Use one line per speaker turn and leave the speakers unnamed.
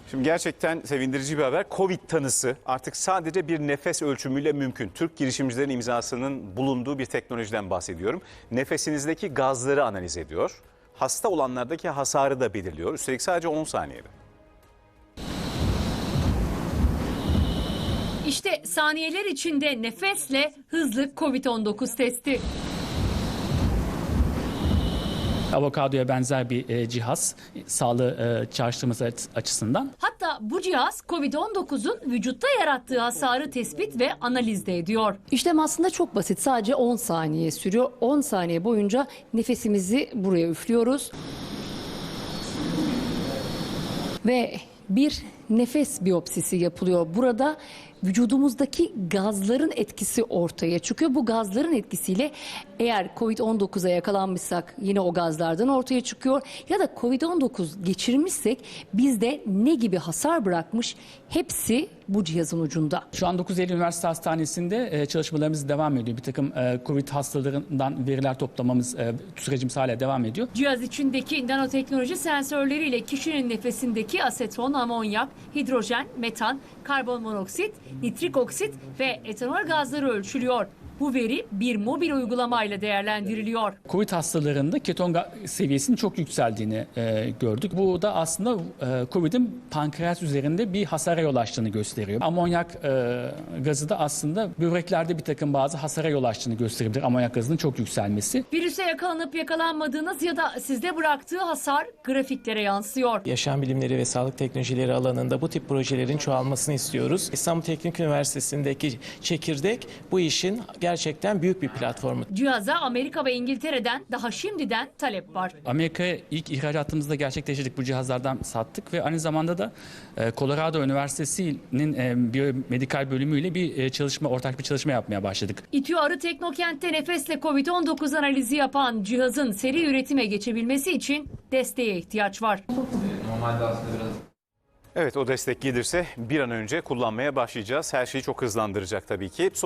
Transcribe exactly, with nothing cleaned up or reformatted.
Şimdi gerçekten sevindirici bir haber. Covid tanısı artık sadece bir nefes ölçümüyle mümkün. Türk girişimcilerin imzasının bulunduğu bir teknolojiden bahsediyorum. Nefesinizdeki gazları analiz ediyor. Hasta olanlardaki hasarı da belirliyor. Üstelik sadece on saniyede.
İşte saniyeler içinde nefesle hızlı Covid on dokuz testi.
Avokadoya benzer bir e, cihaz sağlığı e, çağrıştırması açısından.
Hatta bu cihaz Covid on dokuzun vücutta yarattığı hasarı tespit ve analiz de ediyor.
İşlem aslında çok basit. Sadece on saniye sürüyor. on saniye boyunca nefesimizi buraya üflüyoruz. Ve bir nefes biyopsisi yapılıyor. Burada vücudumuzdaki gazların etkisi ortaya çıkıyor. Bu gazların etkisiyle eğer Covid on dokuza yakalanmışsak yine o gazlardan ortaya çıkıyor. Ya da Covid on dokuz geçirmişsek bizde ne gibi hasar bırakmış, hepsi bu cihazın ucunda.
Şu an dokuz Eylül Üniversite Hastanesi'nde e, çalışmalarımız devam ediyor. Bir takım e, Covid hastalarından veriler toplamamız e, sürecimiz hala devam ediyor.
Cihaz içindeki nanoteknoloji sensörleriyle kişinin nefesindeki aseton, amonyak, hidrojen, metan, karbon monoksit, nitrik oksit ve etanol gazları ölçülüyor. Bu veri bir mobil uygulamayla değerlendiriliyor.
Covid hastalarında keton seviyesinin çok yükseldiğini e, gördük. Bu da aslında e, Covid'in pankreas üzerinde bir hasara yol açtığını gösteriyor. Amonyak e, gazı da aslında böbreklerde bir takım bazı hasara yol açtığını gösterebilir. Amonyak gazının çok yükselmesi.
Virüse yakalanıp yakalanmadığınız ya da sizde bıraktığı hasar grafiklere yansıyor.
Yaşam bilimleri ve sağlık teknolojileri alanında bu tip projelerin çoğalmasını istiyoruz. İstanbul Teknik Üniversitesi'ndeki çekirdek bu işin gerçekten büyük bir platformu.
Cihaza Amerika ve İngiltere'den daha şimdiden talep var.
Amerika'ya ilk ihracatımızda gerçekleştirdik, bu cihazlardan sattık ve aynı zamanda da Colorado Üniversitesi'nin biyomedikal bölümüyle bir çalışma, ortak bir çalışma yapmaya başladık.
İTÜ Arı Teknokent'te nefesle Covid on dokuz analizi yapan cihazın seri üretime geçebilmesi için desteğe ihtiyaç var.
Normalde aslında biraz...
Evet, o destek gelirse bir an önce kullanmaya başlayacağız. Her şeyi çok hızlandıracak tabii ki.